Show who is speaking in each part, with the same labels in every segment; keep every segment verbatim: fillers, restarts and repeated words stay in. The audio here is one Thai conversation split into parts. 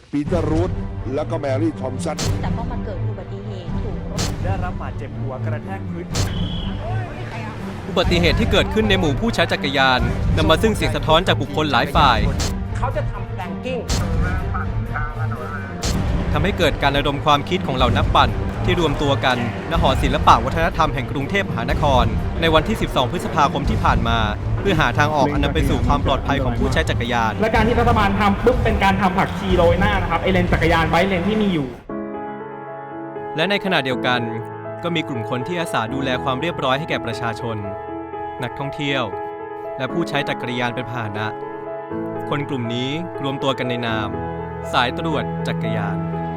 Speaker 1: ปีเตอร์รูธแล้วก็แมรี่ทอมสัน
Speaker 2: แต่ก็มาเกิดอุบัติเหตุถูกรถ
Speaker 3: ได้รับบาดเจ็บหัวกระแทกพื้น
Speaker 4: อุบัติเหตุที่เกิดขึ้นในหมู่ผู้ใช้จักรยานนำมาซึ่งเสียงสะท้อนจากบุคคลหลายฝ่าย
Speaker 3: เขาจะทำแพลงกิ้ง
Speaker 4: ทำให้เกิดการระดมความคิดของเหล่านักปั่นที่รวมตัวกันณหอศิลปะวัฒนธรรมแห่งกรุงเทพมหานครในวันที่ สิบสอง พฤษภาคมที่ผ่านมาเพื่อหาทางออกอันนำไปสู่ความปลอดภัยของผู้ใช้จักรยาน
Speaker 5: และการที่รัฐบาลทำปุ๊บเป็นการทำผักชีโรยหน้านะครับไอเลนจักรยานไบค์เลนที่มีอยู่
Speaker 4: และในขณะเดียวกันก็มีกลุ่มคนที่อาสาดูแลความเรียบร้อยให้แก่ประชาชนนักท่องเที่ยวและผู้ใช้จักรยานเป็นพาหนะคนกลุ่มนี้รวมตัวกันในนามสายตรวจจักรยาน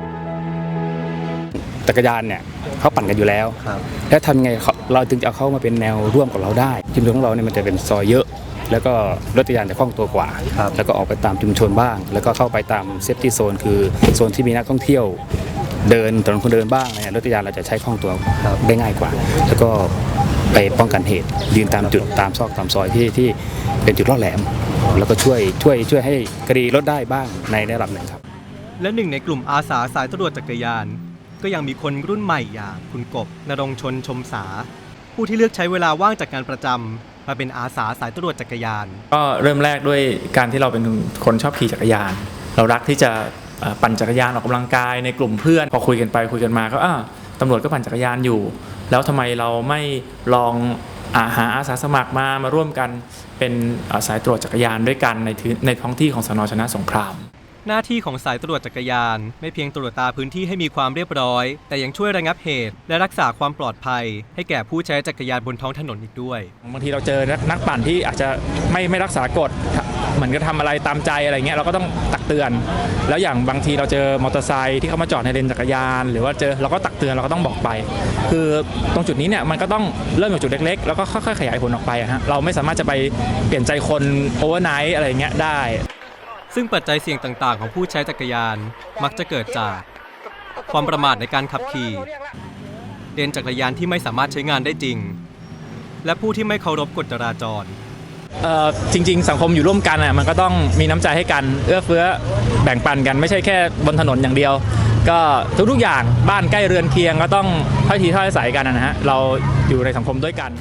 Speaker 6: จักรยานเนี่ยเขาปั่นกันอยู่แล้วแล้วทำไงเราจึงจะเอาเขามาเป็นแนวร่วมกับเราได้ชุมชนของเราเนี่ยมันจะเป็นซอยเยอะแล้วก็รถจักรยานจะคล่องตัวกว่าแล้วก็ออกไปตามชุมชนบ้างแล้วก็เข้าไปตามเซฟตี้โซนคือโซนที่มีนักท่องเที่ยวเดินถนนคนเดินบ้างเนี่ยรถจักรยานเราจะใช้คล่องตัวได้ง่ายกว่าแล้วก็ไปป้องกันเหตุยืนตามจุดตามซอกตามซอยที่ที่เป็นจุดล่อแหลมแล้วก็ช่วยช่วยช่วยให้คดีลดได้บ้างในระดับหนึ่งครับ
Speaker 4: และหนึ่งในกลุ่มอาสาสายตรวจจักรยานก็ยังมีคนรุ่นใหม่อย่างคุณกบณรงค์ชนชมสาผู้ที่เลือกใช้เวลาว่างจากงานประจำมาเป็นอาสาสายตรวจจักรยาน
Speaker 7: ก็เริ่มแรกด้วยการที่เราเป็นคนชอบขี่จักรยานเรารักที่จะปั่นจักรยานออกกำลังกายในกลุ่มเพื่อนพอคุยกันไปคุยกันมาก็อ้าวตำรวจก็ปั่นจักรยานอยู่แล้วทำไมเราไม่ลองหาอาสาสมัครมามาร่วมกันเป็นสายตรวจจักรยานด้วยกันในในท้องที่ของสน.ชนะสงคราม
Speaker 4: หน้าที่ของสายตรวจจักรยานไม่เพียงตรวจตาพื้นที่ให้มีความเรียบร้อยแต่ยังช่วยระงับเหตุและรักษาความปลอดภัยให้แก่ผู้ใช้จักรยานบนท้องถนนอีกด้วย
Speaker 7: บางทีเราเจอนักปั่นที่อาจจะไม่ไม่รักษากฎเหมือนกับทำอะไรตามใจอะไรเงี้ยเราก็ต้องตักเตือนแล้วอย่างบางทีเราเจอมอเตอร์ไซค์ที่เขามาจอดในเลนจักรยานหรือว่าเจอเราก็ตักเตือนเราก็ต้องบอกไปคือตรงจุดนี้เนี่ยมันก็ต้องเริ่มจากจุดเล็กๆแล้วก็ค่อยๆขยายผลออกไปฮะเราไม่สามารถจะไปเปลี่ยนใจคนโอเวอร์ไนท์อะไรเงี้ยได้
Speaker 4: ซึ่งปัจจัยเสี่ยงต่างๆของผู้ใช้จักรยานมักจะเกิดจากความประมาทในการขับขี่เลนจักรยานที่ไม่สามารถใช้งานได้จริงและผู้ที่ไม่เคารพกฎจราจร
Speaker 7: เอ่อจริงๆสังคมอยู่ร่วมกันอ่ะมันก็ต้องมีน้ำใจให้กันเอื้อเฟื้อแบ่งปันกันไม่ใช่แค่บนถนนอย่างเดียวก็ทุกๆอย่างบ้านใกล้เรือนเคียงก็ต้องถ้อยทีถ้อยอาศัยกันนะฮะเราอยู่ในสังคมด้วยกัน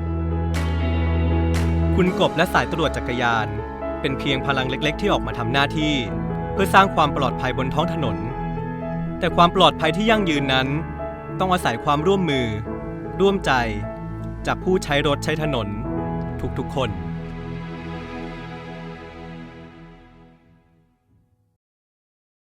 Speaker 4: คุณกบและสายตรวจจักรยานเป็นเพียงพลังเล็กๆที่ออกมาทำหน้าที่เพื่อสร้างความปลอดภัยบนท้องถนนแต่ความปลอดภัยที่ยั่งยืนนั้นต้องอาศัยความร่วมมือร่วมใจจากผู้ใช้รถใช้ถนนทุกๆคน